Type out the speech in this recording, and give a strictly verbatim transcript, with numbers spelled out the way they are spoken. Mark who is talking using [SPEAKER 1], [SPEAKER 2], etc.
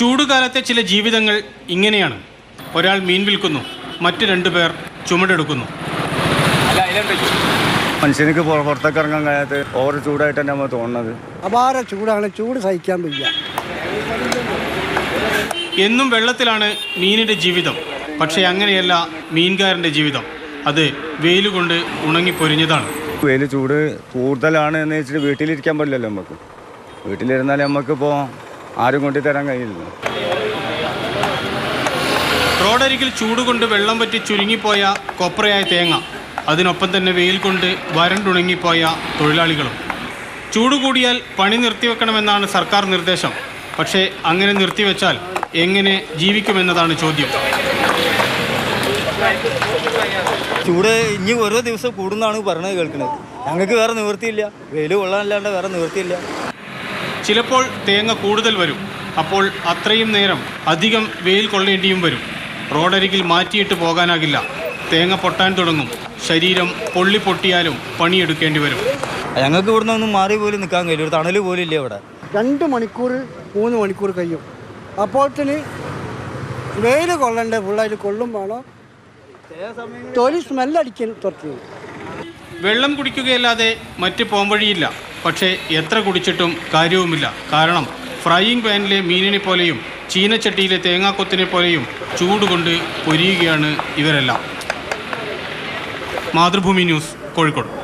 [SPEAKER 1] ചൂടുകാലത്തെ ചില ജീവിതങ്ങൾ ഇങ്ങനെയാണ്. ഒരാൾ മീൻ വിൽക്കുന്നു, മറ്റു രണ്ടു പേർ ചുമടെടുക്കുന്നു.
[SPEAKER 2] മനുഷ്യനിക്ക് പുറത്തേക്ക് ഇറങ്ങാൻ കഴിയാത്ത ഓരോ ചൂടായിട്ട് തന്നെ നമ്മൾ തോന്നുന്നത്.
[SPEAKER 3] അപാര ചൂടാണ്, ചൂട് സഹിക്കാൻ വയ്യ.
[SPEAKER 1] എന്നും വെള്ളത്തിലാണ് മീനിൻ്റെ ജീവിതം. പക്ഷേ അങ്ങനെയല്ല മീൻകാരൻ്റെ ജീവിതം. അത് വെയിലുകൊണ്ട് ഉണങ്ങിപ്പൊരിഞ്ഞതാണ്.
[SPEAKER 2] വെയിൽ ചൂട് കൂടുതലാണ് എന്ന് വെച്ചിട്ട് വീട്ടിലിരിക്കാൻ പറ്റില്ലല്ലോ നമുക്ക്. വീട്ടിലിരുന്നാൽ നമുക്കിപ്പോൾ ആരും കൊണ്ടു തരാൻ കഴിയില്ല.
[SPEAKER 1] റോഡരികിൽ ചൂടുകൊണ്ട് വെള്ളം പറ്റി ചുരുങ്ങിപ്പോയ കൊപ്രയായ തേങ്ങ, അതിനൊപ്പം തന്നെ വെയിൽ കൊണ്ട് വരണ്ടുണങ്ങിപ്പോയ തൊഴിലാളികളും. ചൂട് കൂടിയാൽ പണി നിർത്തിവെക്കണമെന്നാണ് സർക്കാർ നിർദ്ദേശം. പക്ഷേ അങ്ങനെ നിർത്തിവെച്ചാൽ എങ്ങനെ ജീവിക്കുമെന്നതാണ് ചോദ്യം.
[SPEAKER 4] ചൂട് ഇനി ഓരോ ദിവസം കൂടുന്നാണ് പറഞ്ഞത് കേൾക്കുന്നത്. ഞങ്ങൾക്ക് വേറെ നിവൃത്തിയില്ല, വെയിൽ കൊള്ളാനല്ലാണ്ട് വേറെ നിവൃത്തിയില്ല.
[SPEAKER 1] ചിലപ്പോൾ തേങ്ങ കൂടുതൽ വരും. അപ്പോൾ അത്രയും നേരം അധികം വെയിൽ കൊള്ളേണ്ടിയും വരും. റോഡരികിൽ മാറ്റിയിട്ട് പോകാനാകില്ല. തേങ്ങ പൊട്ടാൻ തുടങ്ങും. ശരീരം പൊള്ളി പൊട്ടിയാലും പണിയെടുക്കേണ്ടി വരും.
[SPEAKER 4] ഞങ്ങൾക്ക് ഇവിടെ നിന്നൊന്നും മാറി പോലും നിൽക്കാൻ കഴിയില്ല. ഒരു തണൽ പോലും ഇല്ല ഇവിടെ.
[SPEAKER 3] രണ്ട് മണിക്കൂർ മൂന്ന് മണിക്കൂർ കഴിയും. അപ്പോഴത്തിന് വെയിൽ കൊള്ളണ്ടേ, ഫുള്ളായിട്ട് കൊള്ളും വേണം. തൊലി സ്മെല്ലടിക്കാൻ തുടങ്ങി.
[SPEAKER 1] വെള്ളം കുടിക്കുകയല്ലാതെ മറ്റ് പോംവഴിയില്ല. പക്ഷേ എത്ര കുടിച്ചിട്ടും കാര്യവുമില്ല. കാരണം ഫ്രൈയിങ് പാനിലെ മീനിനെ പോലെയും ചീനച്ചട്ടിയിലെ തേങ്ങാക്കൊത്തിനെ പോലെയും ചൂടുകൊണ്ട് പൊരിയുകയാണ് ഇവരെല്ലാം. മാതൃഭൂമി ന്യൂസ്, കോഴിക്കോട്.